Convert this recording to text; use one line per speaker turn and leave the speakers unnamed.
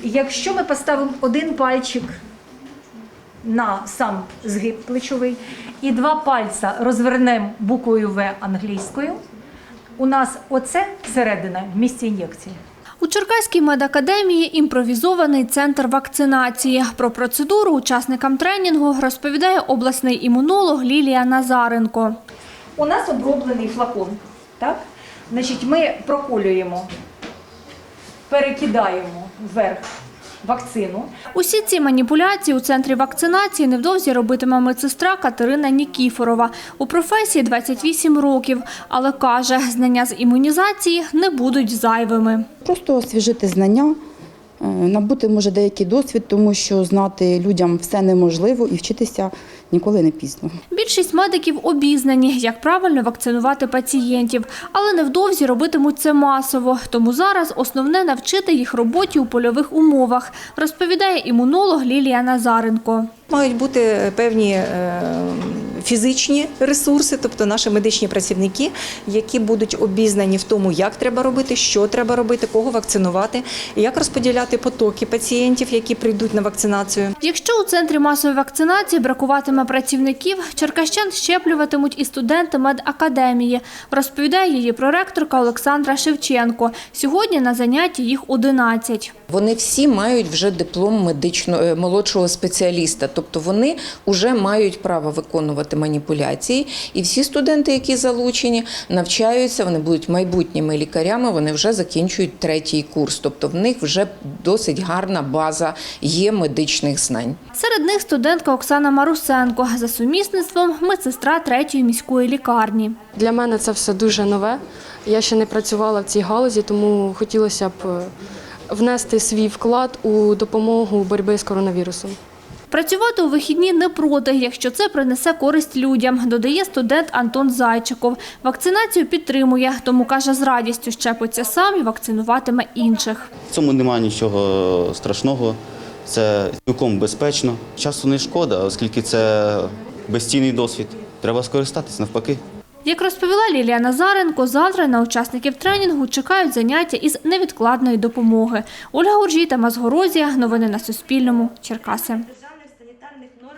Якщо ми поставимо один пальчик на сам згиб плечовий і два пальця розвернемо буквою В англійською, у нас оце середина в місці ін'єкції.
У Черкаській медакадемії імпровізований центр вакцинації. Про процедуру учасникам тренінгу розповідає обласний імунолог Лілія Назаренко.
У нас оброблений флакон, так? Значить, ми проколюємо, перекидаємо вверх вакцину.
Усі ці маніпуляції у центрі вакцинації невдовзі робитиме медсестра Катерина Нікіфорова. У професії 28 років, але каже, знання з імунізації не будуть зайвими.
Просто освіжити знання, набути, може, деякий досвід, тому що знати людям все неможливо і вчитися ніколи не пізно.
Більшість медиків обізнані, як правильно вакцинувати пацієнтів, але невдовзі робитимуть це масово. Тому зараз основне – навчити їх роботі у польових умовах, розповідає імунолог Лілія Назаренко.
Мають бути певні фізичні ресурси, тобто наші медичні працівники, які будуть обізнані в тому, як треба робити, що треба робити, кого вакцинувати, як розподіляти потоки пацієнтів, які прийдуть на вакцинацію.
Якщо у центрі масової вакцинації бракуватиме працівників, черкащан щеплюватимуть і студенти медакадемії, розповідає її проректорка Олександра Шевченко. Сьогодні на занятті їх 11.
Вони всі мають вже диплом молодшого спеціаліста, тобто вони вже мають право виконувати маніпуляції. І всі студенти, які залучені, навчаються, вони будуть майбутніми лікарями, вони вже закінчують 3-й курс. Тобто в них вже досить гарна база є медичних знань.
Серед них студентка Оксана Марусенко, за сумісництвом медсестра 3-ї міської лікарні.
Для мене це все дуже нове. Я ще не працювала в цій галузі, тому хотілося б внести свій вклад у допомогу боротьбі з коронавірусом.
Працювати у вихідні не проти, якщо це принесе користь людям, додає студент Антон Зайчиков. Вакцинацію підтримує, тому, каже, з радістю щепиться сам і вакцинуватиме інших.
В цьому немає нічого страшного, це цілком безпечно. Часу не шкода, оскільки це безцінний досвід. Треба скористатись навпаки.
Як розповіла Лілія Назаренко, завтра на учасників тренінгу чекають заняття із невідкладної допомоги. Ольга Гуржій, Тамас Горозія. Новини на Суспільному. Черкаси.